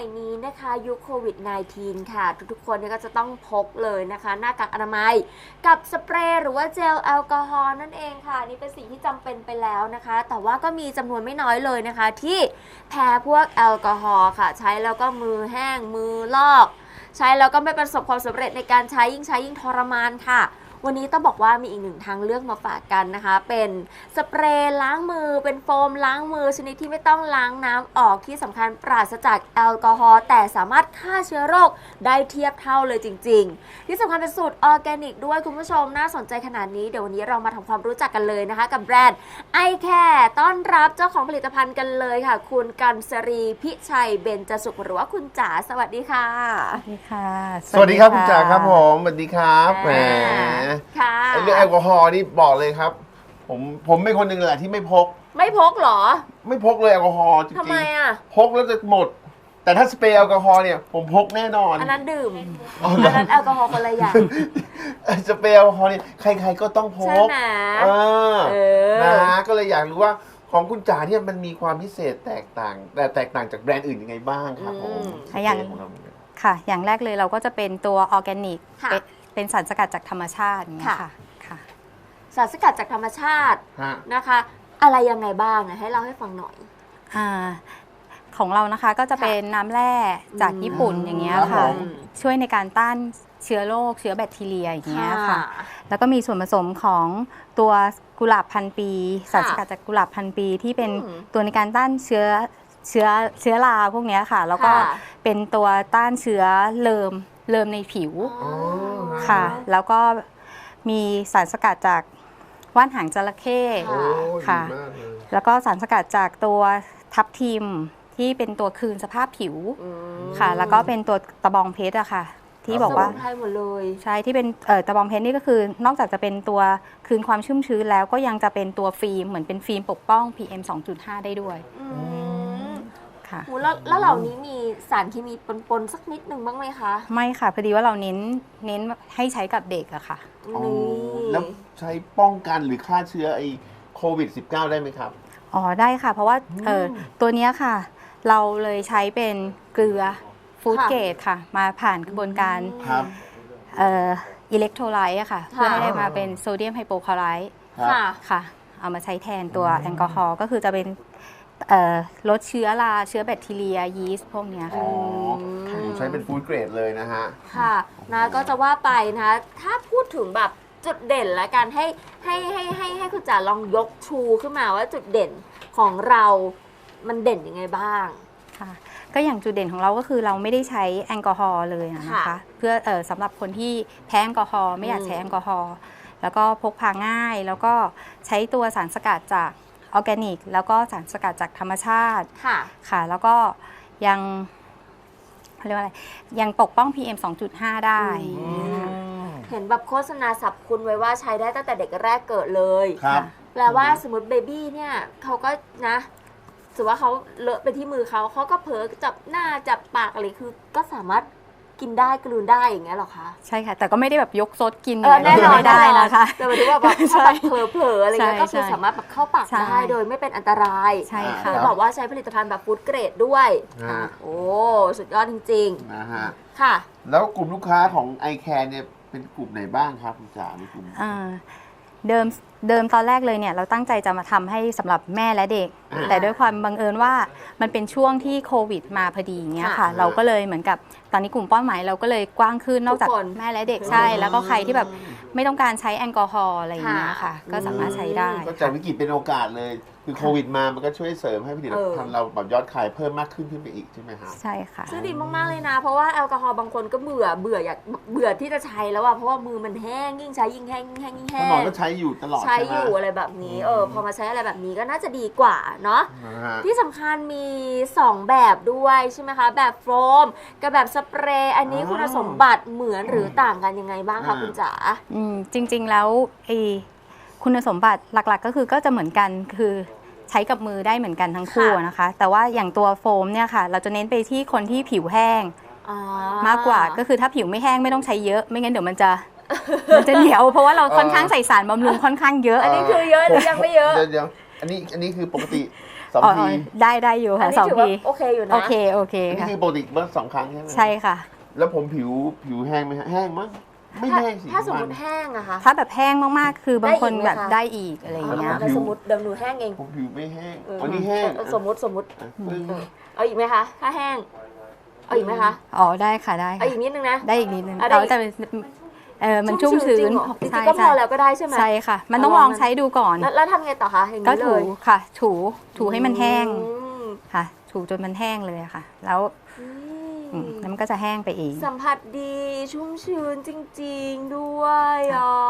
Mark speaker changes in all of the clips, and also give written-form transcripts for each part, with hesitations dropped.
Speaker 1: นี้นะคะยุคโควิด -19 ค่ะทุกๆคนก็จะต้องพกเลยนะคะหน้ากากอนามัยกับสเปรย์หรือว่าเจลแอลกอฮอล์นั่นเองค่ะนี่เป็นสิ่งที่จำเป็นไปแล้วนะคะแต่ว่าก็มีจำนวนไม่น้อยเลยนะคะที่แพ้พวกแอลกอฮอล์ค่ะใช้แล้วก็มือแห้งมือลอกใช้แล้วก็ไม่ประสบความสำเร็จในการใช้ยิ่งทรมานค่ะวันนี้ต้องบอกว่ามีอีกหนึ่งทางเลือกมาฝากกันนะคะเป็นสเปรย์ล้างมือเป็นโฟมล้างมือชนิดที่ไม่ต้องล้างน้ำออกที่สำคัญปราศจากแอลกอฮอล์แต่สามารถฆ่าเชื้อโรคได้เทียบเท่าเลยจริงๆที่สำคัญเป็นสูตรออร์แกนิกด้วยคุณผู้ชมน่าสนใจขนาดนี้เดี๋ยววันนี้เรามาทำความรู้จักกันเลยนะคะกับแบรนด์ไอแคร์ต้อนรับเจ้าของผลิตภัณฑ์กันเลยค่ะคุณกันศรีพิชัยเบญจสุขหรือว่าคุณจ๋าสวัสดีค่ะ
Speaker 2: สวัสดีค่ะ
Speaker 3: สวัสดีครับคุณจ๋าครับผมสวัสดีครับแหม
Speaker 1: ค่ะ
Speaker 3: เรื่องแอลกอฮอล์นี่บอกเลยครับผมเป็นคนหนึ่งแหละที่ไม่พก
Speaker 1: เหรอ
Speaker 3: ไม่พกเลยแอลกอฮอล์จริงๆ
Speaker 1: ทำไมอ่ะ
Speaker 3: พกแล้วจะหมดแต่ถ้าสเปรย์แอลกอฮอล์เนี่ยผมพกแน่นอน
Speaker 1: อันนั้นดื่มอันนั้นแอลกอฮอล์คนละอย่าง
Speaker 3: สเปรย์แอลกอฮอล์เนี่ยใครๆก็ต้องพก
Speaker 1: ใช่ไหม
Speaker 3: นะก็เลยอยากรู้ว่าของคุณจ๋าเนี่ยมันมีความพิเศษแตกต่างจากแบรนด์อื่นยังไงบ้างครับผม
Speaker 2: อย่างแรกเลยเราก็จะเป็นตัวออร์แกนิกเป็นสารสกัดจากธรรมชาติอย่างเงี้ยค่ะ
Speaker 1: สารสกัดจากธรรมชาตินะคะอะไรยังไงบ้างให้เล่าให้ฟังหน่อย
Speaker 2: ของเรานะคะก็จะเป็นน้ำแร่จากญี่ปุ่นอย่างเงี้ยค่ะช่วยในการต้านเชื้อโรคเชื้อแบคทีเรียอย่างเงี้ยค่ะแล้วก็มีส่วนผสมของตัวกุหลาบพันปีสารสกัดจากกุหลาบพันปีที่เป็นตัวในการต้านเชื้อราพวกนี้ค่ะแล้วก็เป็นตัวต้านเชื้อเลิมในผิวค่ะแล้วก็มีสารสกัดจากว่านหางจระเข้ค่ะแล้วก็สารสกัดจากตัวทับทิมที่เป็นตัวคืนสภาพผิวค่ะแล้วก็เป็นตัวตะบองเพชรอะค่ะที่บอกว่า
Speaker 1: หมดเลย
Speaker 2: ใช่ที่เป็นตะบองเพชรนี่ก็คือนอกจากจะเป็นตัวคืนความชุ่มชื้นแล้วก็ยังจะเป็นตัวฟิล์มเหมือนเป็นฟิล์มปกป้อง PM 2.5 ได้ด้วยค่ะ
Speaker 1: แล้วเหล่านี้มีสารเคมีปนสักนิดหนึ่งบ้างไหมคะ
Speaker 2: ไม่ค่ะพอดีว่าเราเน้นให้ใช้กับเด็กอะค่ะ
Speaker 3: แล้วใช้ป้องกันหรือฆ่าเชื้อไอโควิด -19 ได้ไหมครับ
Speaker 2: อ๋อได้ค่ะเพราะว่าตัวนี้ค่ะเราเลยใช้เป็นเกลือฟู้ดเกรดค่ะมาผ่านกระบวนการอิเล็กโทรไลต์ค่ะเพื่อให้ได้มาเป็นโซเดียมไฮโปคลอไรด์ค่ะเอามาใช้แทนตัวแอลกอฮอล์ก็คือจะเป็นลดเชื้อราเชื้อแบคทีเรียยีสต์พวกนี้ค่ะ
Speaker 3: ใช้เป็นฟู้ดเกรดเลยนะฮะ
Speaker 1: ค่ะนะก็จะว่าไปนะคะถ้าพูดถึงแบบจุดเด่นและการให้คุณจ๋าลองยกชูขึ้นมาว่าจุดเด่นของเรามันเด่นยังไงบ้าง
Speaker 2: ค่ะก็อย่างจุดเด่นของเราก็คือเราไม่ได้ใช้แอลกอฮอล์เลยนะคะเพื่อสำหรับคนที่แพ้แอลกอฮอล์ไม่อยากใช้แอลกอฮอล์แล้วก็พกพาง่ายแล้วก็ใช้ตัวสารสกัดจากออร์แกนิกแล้วก็สารสกัดจากธรรมชาติค่ะแล้วก็ยังเรียกว่าอะไรยังปกป้อง PM 2.5 ได้
Speaker 1: เห็นแบบโฆษณาสรรพคุณไว้ว่าใช้ได้ตั้งแต่เด็กแรกเกิดเลยแปลว่าสมมติเบบี้เนี่ยเขาก็นะถือว่าเขาเลอะไปที่มือเขาก็เผลอจับหน้าจับปากอะไรคือก็สามารถกินได้กลืนได้อย่างเงี้ยหรอคะ
Speaker 2: ใช่ค่ะแต่ก็ไม่ได้แบบยกซดกิน
Speaker 1: แน่นอน
Speaker 2: ไม่ได้นะคะ
Speaker 1: แต่หมายถึงว่าแบบถ้าแบบเผลออะไรเงี้ยก็คือสามารถแบบเข้าปากได้โดยไม่เป็นอันตราย
Speaker 2: ใช่ค่ะ
Speaker 1: คือบอกว่าใช้ผลิตภัณฑ์แบบฟู้ดเกรดด้วยโอ้สุดยอดจริง
Speaker 3: ๆนะฮะ
Speaker 1: ค่ะ
Speaker 3: แล้วกลุ่มลูกค้าของไอแคร์เนี่ยเป็นกลุ่มไหนบ้างครับคุณจ๋าในกลุ่ม
Speaker 2: เดิมตอนแรกเลยเนี่ยเราตั้งใจจะมาทำให้สำหรับแม่และเด็กแต่ด้วยความบังเอิญว่ามันเป็นช่วงที่โควิดมาพอดีอย่างเงี้ยค่ะเราก็เลยเหมือนกับตอนนี้กลุ่มเป้าหมายเราก็เลยกว้างขึ้นนอกจากแม่และเด็กใช่แล้วก็ใครที่แบบไม่ต้องการใช้แอลกอฮอล์อะไรอย่างเงี้ยค่ะก็สามารถใช้ได้
Speaker 3: ก็จากวิกฤตเป็นโอกาสเลยคือโควิดมามันก็ช่วยเสริมให้ผลิตภัณฑ์เราแบบยอดขายเพิ่มมากขึ้นไปอีกใช่ไหมครับ
Speaker 2: ใช่ค่ะ
Speaker 1: ซึ่งดีมากๆเลยนะเพราะว่าแอลกอฮอล์บางคนก็เบื่อที่จะใช้แล้วอะเพราะว่ามือมันแห้งยิ่งใช้ยิ่งแห้ง
Speaker 3: หมอก็ใช้อยู่ตลอด
Speaker 1: ใช้อยู่อะไรแบบนี้พอมาใช้อะไรแบบนี้ก็น่าจะดีกว่าเนาะที่สำคัญมี2แบบด้วยใช่ไหมคะแบบโฟมกับแบบสเปรย์อันนี้คุณสมบัติเหมือนหรือต่างกันยังไงบ้างคะคุณจ๋า
Speaker 2: จริงๆแล้วคุณสมบัติหลักๆก็คือก็จะเหมือนกันคือใช้กับมือได้เหมือนกันทั้งคู่นะคะแต่ว่าอย่างตัวโฟมเนี่ยค่ะเราจะเน้นไปที่คนที่ผิวแห้งมากกว่าก็คือถ้าผิวไม่แห้งไม่ต้องใช้เยอะไม่งั้นเดี๋ยวมันจะเหนียวเพราะว่าเราค่อนข้างใส่สารบำรุงค่อนข้างเยอะ
Speaker 1: อันนี้คือเยอะหรือยังไม่เยอะ
Speaker 3: เดี๋ยวอันนี้คือปกติ 2
Speaker 2: อ๋อ
Speaker 3: ที
Speaker 2: ได้อยู่
Speaker 1: อัน
Speaker 2: ค่ะ
Speaker 1: นี้
Speaker 2: สอง
Speaker 1: ถือว่า
Speaker 2: ที
Speaker 1: โอเคอยู่นะ
Speaker 2: โอเค
Speaker 3: อันนี้
Speaker 2: ค่ะ
Speaker 3: คือปกติเมื่อ2 ครั้งใช่ไหม
Speaker 2: ใช่ค่ะ
Speaker 3: แล้วผมผิวแห้งไหมฮะแห้งมั้งไม่แห้งสิ
Speaker 1: ถ้าสมม
Speaker 3: น
Speaker 1: ติแห้งอะคะ
Speaker 2: ถ้าแบบแห้งมากๆ คือบางคน
Speaker 1: ได้อีกไหม
Speaker 2: แบบ
Speaker 1: คะ
Speaker 2: ได้อีกอะไรอย่างเงี้ย
Speaker 1: แล้วสมมติเดี๋ยวหนูแห้งเอง
Speaker 3: ผมผิวไม่แห้ง
Speaker 1: เออ
Speaker 3: วันนี้แห้ง
Speaker 1: สมมติ
Speaker 3: อ่ะปึ้ง
Speaker 1: เอาอีกไหมคะ ถ้าแห้ง เอาอีกไหมคะ
Speaker 2: อ๋อได้ค่ะได้
Speaker 1: เอา
Speaker 2: ค่ะ
Speaker 1: อีกนิดนึงนะ
Speaker 2: ได้อีกนิดนึง
Speaker 1: เอาได้
Speaker 2: เอาแต่มันชุ่มชื้น
Speaker 1: จริงๆก็พอแล้วก็ได้ใช่ไหม
Speaker 2: ใช่ค่ะ มันต้องลองใช้ดูก่อน
Speaker 1: แล้วทำไงต่อคะอย่าง
Speaker 2: ก็
Speaker 1: นี้เล
Speaker 2: ถู
Speaker 1: ย
Speaker 2: ค่ะ ถูให้มันแห้ง
Speaker 1: อืม
Speaker 2: ค่ะ ถูจนมันแห้งเลยอะค่ะ แล้วแล้วมันก็จะแห้งไปเอง
Speaker 1: สัมผัสดีชุ่มชื้นจริงๆด้วยอ่ะ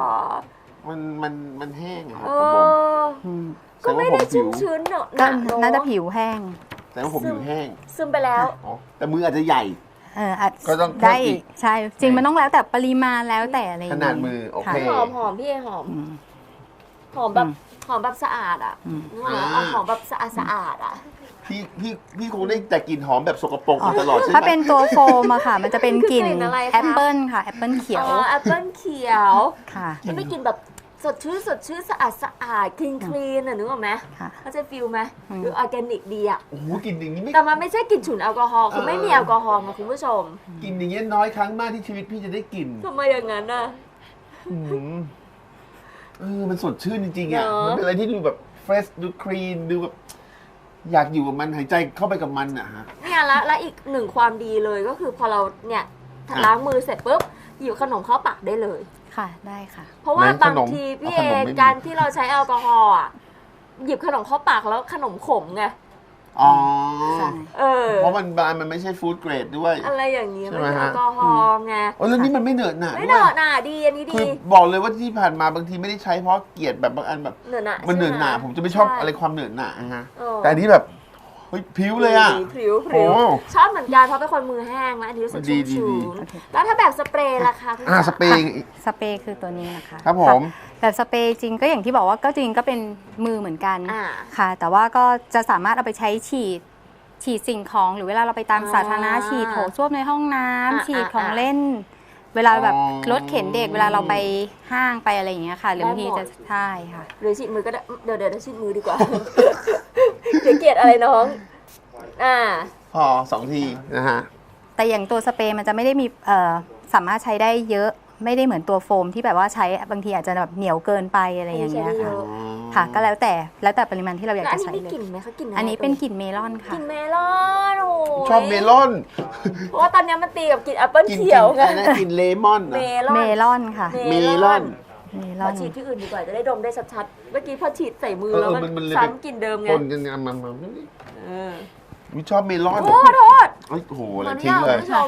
Speaker 3: มันแห้งอะครับ
Speaker 1: เอ
Speaker 3: ของผม
Speaker 1: อ
Speaker 2: อืม
Speaker 1: ก็ไม่ได้ชุ่มชื้นเนอะ
Speaker 2: ก็
Speaker 1: ห
Speaker 2: น่าจะผิวแห้ง
Speaker 3: แต่ว่าผมผิวแห้ง
Speaker 1: ซึมไปแล้ว
Speaker 3: อ๋อแต่มืออาจจะใหญ่
Speaker 2: อาจ
Speaker 3: ก็ต้อง
Speaker 2: ได้
Speaker 3: เพิ่มอีก
Speaker 2: ใช่ จริงมันต้องแล้วแต่ปริมาณแล้วแต่อะไรอย่ง
Speaker 3: ข
Speaker 2: งี้
Speaker 3: นาดมือโอเค
Speaker 2: ค่ะ
Speaker 1: หอมพี่เอหอม
Speaker 2: อืม
Speaker 1: หอมแบบ
Speaker 2: อืม
Speaker 1: หอมแบบสะอาดอ่ะ
Speaker 2: อืม
Speaker 1: นึกออกไหมเอาหอมแบบสะอาดอ่ะ
Speaker 3: พี่คงได้แต่กลิ่นหอมแบบสกปรกมาตลอดใช่ไหม
Speaker 2: ถ้าเป็นตัวโฟมอะค่ะ มันจะเป็นกลิ่น
Speaker 1: คือกลิ่นอะไรคะ
Speaker 2: แอปเปิลค่ะแอปเปิลเขียว
Speaker 1: อ๋อแอปเปิ้ลเขียว
Speaker 2: ค่ะ
Speaker 1: มันไม่กลินแบบสดชื่นสะอาดคลีนอ่ะนึกออกไหม
Speaker 2: ค่ะ
Speaker 1: เขาใจะฟิลไหม
Speaker 2: อืม
Speaker 1: หรือออร์แกนิกดีอ่ะ
Speaker 3: โอ้โหกลิ่นอย่างนี้ไม่
Speaker 1: แต่มันไม่ใช่กลิ่นฉุนแอลกอฮอล์คือไม่มีแอลกอฮอล์นะคุณผู้ชม
Speaker 3: กลิ่นอย่างเงี้ยน้อยครั้งมากที่ชีวิตพี่จะได้กลิ่น
Speaker 1: ทำไมอย่างนั้นอ่ะ
Speaker 3: อืมมันสดชื่นจริงๆอ่ะ
Speaker 1: เนอะ
Speaker 3: มันเป็นอะไรที่ดูแบบเฟรชดูคลีนดูแบบอยากอยู่กับมันหายใจเข้าไปกับมันอ่ะฮะ
Speaker 1: เนี่ยและอีกหนึ่งความดีเลยก็คือพอเราเนี่ย
Speaker 3: อ่ะ
Speaker 1: ล้างมือเสร็จปุ๊บหยิบขนมเข้าปากได้เลย
Speaker 2: ค่ะ ได้ค่ะ
Speaker 1: เพราะว่า
Speaker 3: ไหน
Speaker 1: บาง
Speaker 3: ขนม
Speaker 1: ทีพี่
Speaker 3: เอา
Speaker 1: เอ
Speaker 3: ขนมไม่มี
Speaker 1: การที่เราใช้แอลกอฮอล์อ่ะหยิบขนมเข้าปากแล้วขนมขมไง
Speaker 3: อ๋อ
Speaker 2: ใช่
Speaker 1: เออ
Speaker 3: เพราะมันไม่ใช่ฟู้ดเกรดด้วย
Speaker 1: อะไรอย่างนี้
Speaker 3: ใช่
Speaker 1: มัน
Speaker 3: ไหม
Speaker 1: เป็นแอ
Speaker 3: ฮะ
Speaker 1: ลกอฮอล์ไง
Speaker 3: โอ้แล้วนี่มันไม่เหนอะหนะ
Speaker 1: ไม่
Speaker 3: ด้
Speaker 1: เน
Speaker 3: วย
Speaker 1: อะหน่าดีอันนี้
Speaker 3: คื
Speaker 1: ดี
Speaker 3: อบอกเลยว่าที่ผ่านมาบางทีไม่ได้ใช้เพราะเกลียดแบบบางอันแบบ
Speaker 1: เหนอะหนา
Speaker 3: มันเหนอะหนา
Speaker 1: ใช่ไ
Speaker 3: ผมจะไม่ชอบ
Speaker 1: ใ
Speaker 3: อะไรความเหนอะหนาฮะ
Speaker 1: เออ
Speaker 3: แต่อันนี้แบบเฮ้ยผิวเลยอ่ะ
Speaker 1: พริ้ว
Speaker 3: โอ้
Speaker 1: ชอบเหมือนกันเพราะเป็นคนมือแห้งแล้วอันนี้รู้สึก
Speaker 3: ดี
Speaker 1: ชุ่ม
Speaker 3: ดี
Speaker 1: ชื้นแล้วถ้าแบบสเปรย์ล่ะคะคุณ
Speaker 3: สเปรย์
Speaker 2: สเปรย์คือตัวนี้นะคะ
Speaker 3: ครับผม
Speaker 2: แบบสเปรย์จริงก็อย่างที่บอกว่าก็จริงก็เป็นมือเหมือนกัน
Speaker 1: อ่า
Speaker 2: ค่ะ แต่ว่าก็จะสามารถเอาไปใช้ฉีดสิ่งของหรือเวลาเราไปตามสาธารณะฉีดโถส้วมในห้องน้ำฉีดของเล่น เวลาแบบรถเข็นเด็กเวลาเราไปห้างไปอะไรอย่างเงี้ยค่ะหรือบางทีจะใช่ค่ะ
Speaker 1: หรือฉีดมือก็ได้เดี๋ยวฉีดมือดีกว่า เดี๋ยวเกลียดอะไรน้อง
Speaker 3: พอ2 ทีนะฮะ
Speaker 2: แต่อย่างตัวสเปรย์มันจะไม่ได้มีสามารถใช้ได้เยอะไม่ได้เหมือนตัวโฟมที่แบบว่าใช้บางทีอาจจะแบบเหนียวเกินไปอะไรอย่างเงี้ยค่ะค่ะก็แล้วแต่ปริมาณที่เราอยาก
Speaker 1: แล้วอัน
Speaker 2: จะ
Speaker 1: นี้
Speaker 2: ใช้
Speaker 1: มี
Speaker 2: เล
Speaker 1: กลิ่
Speaker 2: ย
Speaker 1: นไหมคะกลิ่นอะไร
Speaker 2: อันนี้เป็นกลิ่นเมลอนค่ะ
Speaker 1: กลิ่นเมลอนโอ้ย
Speaker 3: ชอบเมลอน
Speaker 1: เพราะว่าตอนนี้มันตีกับกลิ่นแอปเปิ้ล
Speaker 3: กิน
Speaker 1: เขียวไง
Speaker 3: อะไรนะกินเลมอน
Speaker 1: เม
Speaker 3: เหรอ
Speaker 1: ลอน
Speaker 2: เมลอนค่ะ
Speaker 1: เม
Speaker 3: เม
Speaker 1: ล
Speaker 3: ล
Speaker 1: อ
Speaker 3: อน น
Speaker 2: เมล
Speaker 1: ข
Speaker 2: อ
Speaker 1: อน ฉีดที่อื่นดีกว่าจะได้ดมได้ชัดๆเมื่อกี้พอฉีดใส่มือ
Speaker 3: เออ
Speaker 1: แล้ว
Speaker 3: มันเลย
Speaker 1: ซ้ำกลิ่นเดิมไง
Speaker 3: คนกันมา
Speaker 1: เออ
Speaker 3: วิชอบเมลอน
Speaker 1: โอ้โทษ
Speaker 3: เอ้ยโอ้โหอะไร
Speaker 1: ขออนุ
Speaker 3: ทิ้ง
Speaker 1: ญาต
Speaker 3: เล
Speaker 1: คุ
Speaker 3: ย
Speaker 1: ณผู้ชม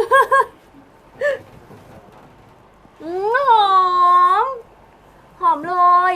Speaker 1: หอมเลย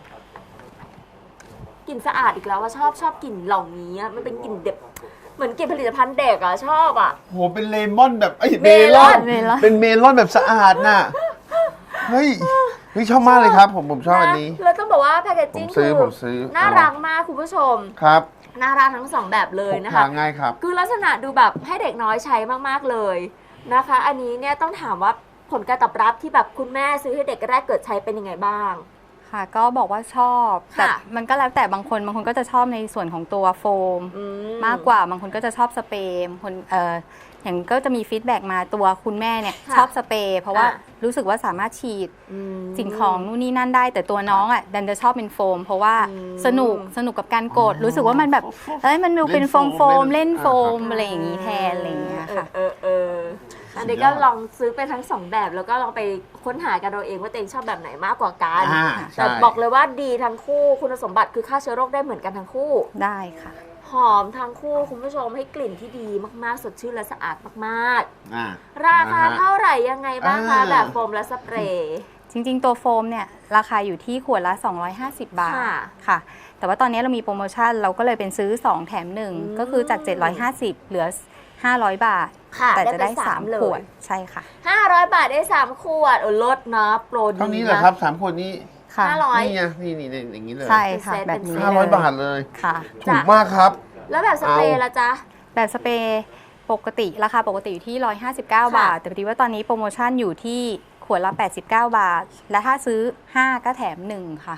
Speaker 1: กลิ่นสะอาดอีกแล้วว่าชอบกลิ่นเหล่านี้อะมันเป็นกลิ่นเด็กเหมือนกลิ่นผลิตภัณฑ์เด็กอะชอบอะ
Speaker 3: โหเป็นเลมอนแบบเม
Speaker 1: เม
Speaker 3: ล
Speaker 1: ล
Speaker 3: อ
Speaker 1: อน น
Speaker 3: เป็นเมลอนแบบสะอาดน่ะเฮ้ยชอบมากเลยครับ ผมชอบอันนี้
Speaker 1: ะแล้วต้องบอกว่าแพคเกจจิ้ง
Speaker 3: ผมซื้อ
Speaker 1: น่ารักมากคุณผู้ชม
Speaker 3: ครับ
Speaker 1: น่ารักทั้งสองแบบเลย
Speaker 3: พก
Speaker 1: นะ
Speaker 3: พา
Speaker 1: คะ
Speaker 3: ง่ายครับ
Speaker 1: คือลักษณะดูแบบให้เด็กน้อยใช้มากๆเลยนะคะ อันนี้เนี่ยต้องถามว่าผลการตอบรับที่แบบคุณแม่ซื้อให้เด็กแรกเกิดใช้เป็นยังไงบ้าง
Speaker 2: ค่ะก็บอกว่าชอบแต่
Speaker 1: ค่ะ
Speaker 2: มันก็แล้วแต่บางคนก็จะชอบในส่วนของตัวโฟม
Speaker 1: อื
Speaker 2: มากกว่าบางคนก็จะชอบสเปรย์บางคนอย่างก็จะมีฟีดแบ็กมาตัวคุณแม่เนี่ย
Speaker 1: ค่ะ
Speaker 2: ชอบสเปรย์เพราะว่า
Speaker 1: อ่ะ
Speaker 2: รู้สึกว่าสามารถฉีด
Speaker 1: อืม
Speaker 2: สิ่งของนู่นนี่นั่นได้ แต่ตัวน้องอ่ะดันจะชอบเป็นโฟม เพราะว่า
Speaker 1: อืม
Speaker 2: สนุกกับการกด รู้สึกว่ามันแบบมันดูเป็นโฟมเล่นโฟมอะไรอย่างนี้แทนอะไรอย่างเงี้ยค่ะ
Speaker 1: อันนี้ก็ลองซื้อไปทั้งสองแบบแล้วก็ลองไปค้นหากันเราเองว่าตัวเองชอบแบบไหนมากกว่ากัน
Speaker 3: ใช่
Speaker 1: แต่บอกเลยว่าดีทั้งคู่คุณสมบัติคือฆ่าเชื้อโรคได้เหมือนกันทั้งคู่
Speaker 2: ได้ค่ะ
Speaker 1: หอมทั้งคู่คุณผู้ชมให้กลิ่นที่ดีมากๆ สดชื่นและสะอาดมาก
Speaker 3: อ่า
Speaker 1: ๆ ราคาเท่าไหร่ยังไงบ้างคะ
Speaker 3: อ่า
Speaker 1: แบบโฟมและสเปรย์
Speaker 2: จริงๆ ตัวโฟมเนี่ยราคาอยู่ที่ขวดละ 250 บาท
Speaker 1: ค่ะ
Speaker 2: ค่ะ แต่ว่าตอนนี้เรามีโปรโมชั่นเราก็เลยเป็นซื้อ 2 แถม 1 ก็คือจาก 750 เหลือ 500 บาท
Speaker 1: ค่ะ
Speaker 2: แต่จะได้
Speaker 1: ป3
Speaker 2: 3 ขวด ใช่ค่ะ
Speaker 1: 500 บาทได้ 3 ขวดลดนะโปรดี
Speaker 3: เท่านี้เหรอครับ3 คนนี้
Speaker 2: ค่ะ
Speaker 1: 500
Speaker 3: นี่ไงนี่อย่างนี้เลย
Speaker 2: ใช่ค่ะ
Speaker 1: เป็นเซต
Speaker 2: แบบนี้
Speaker 3: 500 บาทเลย
Speaker 2: ค่ะ
Speaker 3: ถูกมากครับ
Speaker 1: แล้วแบบสเปรย์
Speaker 3: เอา
Speaker 1: ละจ๊ะ
Speaker 2: แบบสเปรย์ปกติราคาปกติอยู่ที่ 159 บาท แต่พอดีว่าตอนนี้โปรโมชั่นอยู่ที่ขวดละ 89 บาท และถ้าซื้อ 5 ก็แถม 1 ค่ะ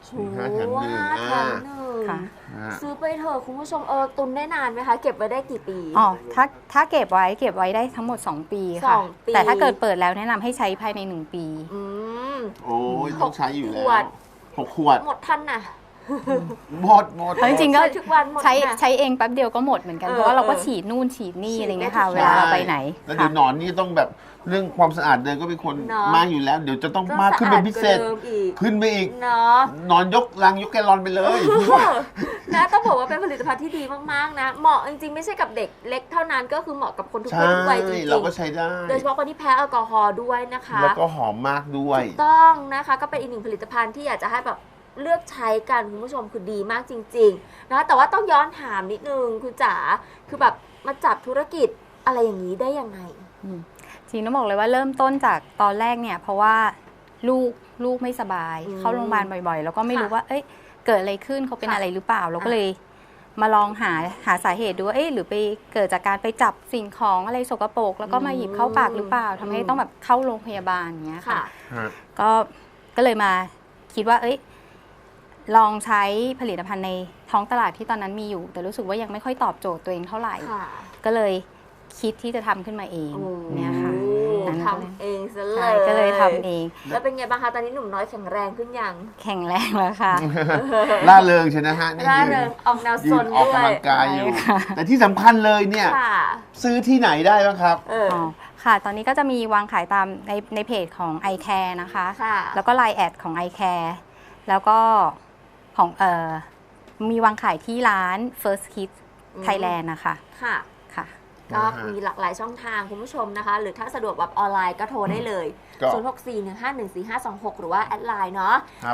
Speaker 3: 5 แถม 1
Speaker 1: 5 แถม
Speaker 2: ค่ะ
Speaker 1: 1ซื้อไปเถอะคุณผู้ชมตุนได้นานไหมคะ เก็บไว้ได้กี่ปี
Speaker 2: อ๋อถ้าเก็บไว้ได้ทั้งหมด 2 ปีค่ะ
Speaker 1: 2 ปี
Speaker 2: แต่ถ้าเกิดเปิดแล้วแนะนำให้ใช้ภายใน 1 ปี
Speaker 1: อืม
Speaker 3: โอ้ยต้องใช้อยู่แล้ว
Speaker 1: ขวด
Speaker 3: 6 ขวด
Speaker 1: หมดทันน่ะ
Speaker 3: หมด
Speaker 2: เพราะจริงๆก็
Speaker 1: ใช้ทุกวันหมด
Speaker 2: ใช้
Speaker 1: น่ะ
Speaker 2: ใช้เองแป๊บเดียวก็หมดเหมือนกัน
Speaker 1: เออ
Speaker 2: เพราะว่าเราก็
Speaker 1: เออ
Speaker 2: ฉีดนู่นฉีดนี่
Speaker 1: ฉีด
Speaker 2: อะไรเงี้ย
Speaker 1: ได้
Speaker 2: ค่ะ
Speaker 1: ทุก
Speaker 2: เวลาเราไปไหน
Speaker 3: แล้วเดี๋ยวหนอนนี่ต้องแบบเรื่องความสะอาดเดินก็เป็นคน
Speaker 1: เนอะ
Speaker 3: มากอยู่แล้ว เดี๋ยวจะต้อง
Speaker 1: ต้อง
Speaker 3: มากขึ้นเป็นพิเศษ
Speaker 1: สะอาดกว่าเดิมอีก
Speaker 3: ขึ้นไปอีก
Speaker 1: เนาะ
Speaker 3: นอนยกลังยกแกลลอนไปเลย
Speaker 1: นะต้องบอกว่าเป็นผลิตภัณฑ์ที่ดีมากๆนะ เหมาะจริงๆไม่ใช่กับเด็กเล็กเท่านั้นก็คือเหมาะกับคนทุก
Speaker 3: ใช่
Speaker 1: เพศทุกวัยจริง
Speaker 3: เราก็ใช้ได้
Speaker 1: ๆโดยเฉพาะคนที่แพ้แอลกอฮอล์ด้วยนะคะ
Speaker 3: แล้วก็หอมมากด้วย
Speaker 1: ถูกต้องนะคะก็เป็นอีกหนึ่งผลิตภัณฑ์ที่อยากจะให้แบบเลือกใช้กันคุณผู้ชมคือดีมากจริงๆนะแต่ว่าต้องย้อนถามนิดนึงคุณจ๋าคือแบบมาจับธุรกิจอะไรอย่างนี้ได้ยังไง
Speaker 2: จริงต้องบอกเลยว่าเริ่มต้นจากตอนแรกเนี่ยเพราะว่าลูกไม่สบาย
Speaker 1: อืม
Speaker 2: เข้าโรงพยาบาลบ่อยๆ แล้วก็ไม่รู้
Speaker 1: ค่ะ
Speaker 2: ว่าเอ้ยเกิดอะไรขึ้นเขาเป็น
Speaker 1: ค่ะ
Speaker 2: อะไรหรือเปล่า เราก็
Speaker 1: อ่ะ
Speaker 2: เลยมาลองหาสาเหตุดูว่าเอ๊ะหรือไปเกิดจากการไปจับสิ่งของอะไรสกปรกแล้วก็มาหยิบเข้าปากหรือเปล่าทำให้ต้องแบบเข้าโรงพยาบาลอย่างเงี้ย
Speaker 1: ค่ะ
Speaker 2: ค่ะ ก็เลยมาคิดว่าเอ้ยลองใช้ผลิตภัณฑ์ในท้องตลาดที่ตอนนั้นมีอยู่ แต่รู้สึกว่ายังไม่ค่อยตอบโจทย์ตัวเองเท่าไหร่
Speaker 1: ค่ะ
Speaker 2: ก็เลยคิดที่จะทำขึ้นมาเองเนี่ยค่ะ
Speaker 1: โอ้
Speaker 2: นั้น
Speaker 1: ทำเองซะเล
Speaker 2: ใช่
Speaker 1: ย
Speaker 2: ก็เลยทำเอง
Speaker 1: แล้วเป็นไงบ้างคะตอนนี้หนุ่มน้อยแข็งแรงขึ้นยัง
Speaker 2: แข็งแรงแล้วค่ะ
Speaker 3: ล่าเริงใช่นะฮะนี่
Speaker 1: ร่า
Speaker 3: ยืน
Speaker 1: เริงออกแนว
Speaker 3: ยื
Speaker 1: ซ
Speaker 3: น
Speaker 1: น
Speaker 3: ออก
Speaker 1: ด้วย
Speaker 3: กำลังกายอยู่
Speaker 2: ใช่ค่ะ
Speaker 3: แต่ที่สำคัญเลยเนี่ย
Speaker 1: ค่ะ
Speaker 3: ซื้อที่ไหนได้บ้างครับ
Speaker 2: อ๋อค่ะ ตอนนี้ก็จะมีวางขายตามในเพจของ iCare นะคะ
Speaker 1: ค่ะ
Speaker 2: แล้วก็ Line แอดของ iCare แล้วก็ของมีวางขายที่ร้าน First Kids Thailand นะคะ
Speaker 1: ค่ะ
Speaker 2: ค่ะ
Speaker 1: ก็
Speaker 3: นะฮะ
Speaker 1: มีหลากหลายช่องทางคุณผู้ชมนะคะ หรือถ้าสะดวกแบบออนไลน์ก็โทรได้เลย
Speaker 3: ก็
Speaker 1: 0641514526 หรือว่าแอดไลน์เนาะ
Speaker 3: ครับ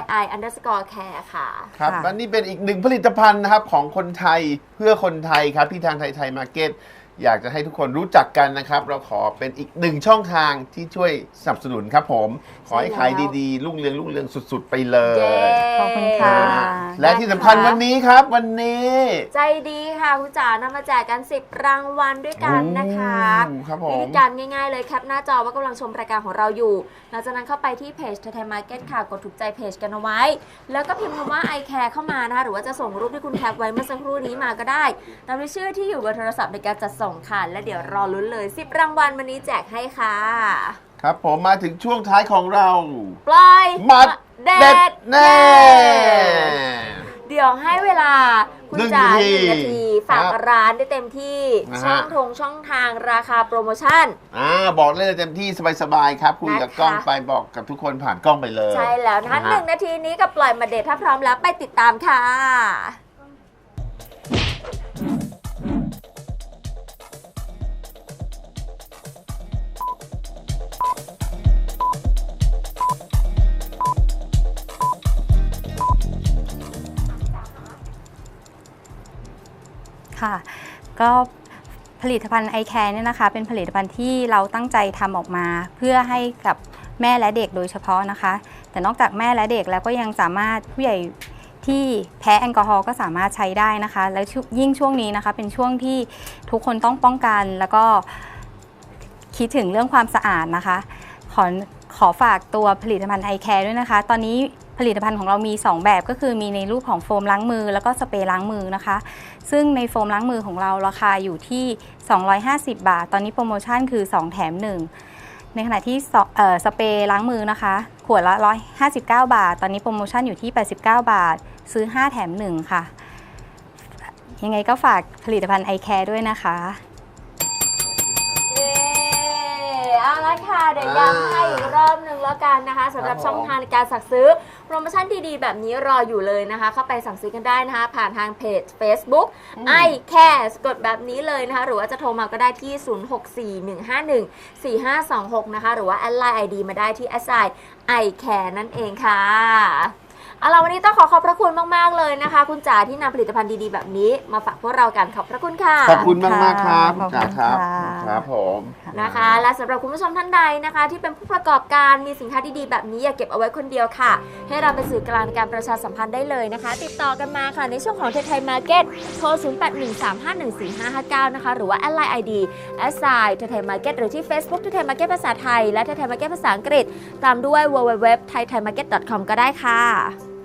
Speaker 1: @i_care ค่ะ
Speaker 3: ครับ
Speaker 2: ค่ะ
Speaker 3: และนี่เป็นอีกหนึ่งผลิตภัณฑ์นะครับของคนไทยเพื่อคนไทยครับที่ทางไทยมาร์เก็ตอยากจะให้ทุกคนรู้จักกันนะครับ เราขอเป็นอีกหนึ่งช่องทางที่ช่วยสนับสนุนครับผม ขอให้ขายดีๆรุ่งเรืองสุดๆไปเลย
Speaker 1: เย้
Speaker 2: ขอบคุณค่ะ
Speaker 3: และที่สำคัญวันนี้ครับวันนี้
Speaker 1: ใจดีค่ะคุณจ๋านำมาแจกกัน 10 รางวัลด้วยกันนะคะ
Speaker 3: โอ้ครับผ
Speaker 1: วิ
Speaker 3: ม
Speaker 1: ธีการง่ายๆเลยแคปหน้าจอว่ากำลังชมรายการของเราอยู่หลังจากนั้นเข้าไปที่เพจไทยมาร์เก็ตค่ะ กดถูกใจเพจกันเอาไว้ แล้วก็พิมพ์คำว่า I care เข้ามานะคะหรือว่าจะส่งรูปที่คุณแคปไว้เมื่อสักครู่นี้มาก็ได้ตามด้วยชื่อที่อยู่บนโทรศัพท์ในการจัดส่งค่ะ และเดี๋ยวรอลุ้นเลย 10 รางวัลวันนี้แจกให้ค่ะ
Speaker 3: ครับผมมาถึงช่วงท้ายของเรา
Speaker 1: ปล่อย
Speaker 3: มัด
Speaker 1: เด็
Speaker 3: เด็
Speaker 1: ด
Speaker 3: ดแน่
Speaker 1: เดี๋ยวให้เวลาคุณจ๋า
Speaker 3: 1
Speaker 1: 1 นาทีฝาก
Speaker 3: ครับ
Speaker 1: ร้านได้เต็มที่
Speaker 3: นะฮะ
Speaker 1: ช่องทางราคาโปรโมชั่น
Speaker 3: บอกเลยเต็มที่สบายๆครับคุยกับ
Speaker 1: นะคะ
Speaker 3: กล้องไปบอกกับทุกคนผ่านกล้องไปเลย
Speaker 1: ใช่แล้วนะคะ
Speaker 3: นะฮะ
Speaker 1: 1 นาทีนี้กับปล่อยมาเดทถ้าพร้อมแล้วไปติดตามค่ะ
Speaker 2: ค่ะ ก็ผลิตภัณฑ์ iCare เนี่ยนะคะ เป็นผลิตภัณฑ์ที่เราตั้งใจทำออกมา เพื่อให้กับแม่และเด็กโดยเฉพาะนะคะ แต่นอกจากแม่และเด็กแล้วก็ยังสามารถผู้ใหญ่ที่แพ้แอลกอฮอล์ก็สามารถใช้ได้นะคะ แล้วยิ่งช่วงนี้นะคะเป็นช่วงที่ทุกคนต้องป้องกัน แล้วก็คิดถึงเรื่องความสะอาดนะคะ ขอฝากตัวผลิตภัณฑ์ iCare ด้วยนะคะ ตอนนี้ผลิตภัณฑ์ของเรามี 2 แบบก็คือมีในรูปของโฟมล้างมือแล้วก็สเปรย์ล้างมือนะคะ ซึ่งในโฟมล้างมือของเราราคาอยู่ที่ 250 บาท ตอนนี้โปรโมชั่นคือ 2 แถม 1 ในขณะที่สเปรย์ล้างมือนะคะ ขวดละ 159 บาท ตอนนี้โปรโมชั่นอยู่ที่ 89 บาท ซื้อ 5 แถม 1 ค่ะ ยังไงก็ฝากผลิตภัณฑ์ iCare ด้วยนะคะ
Speaker 1: เย้เอาละค่ะ เดี๋ยวย้ำให้อีกรอบหนึ่งแล้วกันนะคะสำหรับ
Speaker 3: ครับผม
Speaker 1: ช่องทางในการสั่งซื้อโปรโมชั่นดีๆแบบนี้รออยู่เลยนะคะ เข้าไปสั่งซื้อกันได้นะคะ ผ่านทางเพจ Facebook I care กดแบบนี้เลยนะคะ หรือว่าจะโทรมาก็ได้ที่ 0641514526 นะคะ หรือว่าแอดไลน์ ID มาได้ที่ I care นั่นเองค่ะ เอาล่ะวันนี้ต้องขอบพระคุณมากๆเลยนะคะ คุณจ๋าที่นำผลิตภัณฑ์ดีๆแบบนี้มาฝากพวกเรากันขอบพระคุณค่ะ
Speaker 3: ขอบคุณมากๆครับ
Speaker 2: ขอบคุณ
Speaker 3: จ๋าครับ
Speaker 2: ค่ะ
Speaker 3: ครับผม
Speaker 1: นะคะ และสำหรับคุณผู้ชมท่านใดนะคะ ที่เป็นผู้ประกอบการมีสินค้าดีๆแบบนี้อย่าเก็บเอาไว้คนเดียวค่ะ ให้เราเป็นสื่อกลางในการประชาสัมพันธ์ได้เลยนะคะ ติดต่อกันมาค่ะในช่วงของไทยมาร์เก็ตโทร 0813514559 นะคะ หรือว่าแอดไลน์ ID @ไทยมาร์เก็ตหรือที่ Facebook ไทยมาร์เก็ตภาษาไทยและไทยมาร์เก็ตภาษาอังกฤษตามด้วย www.thaimarket.com ก็ได้ค่ะ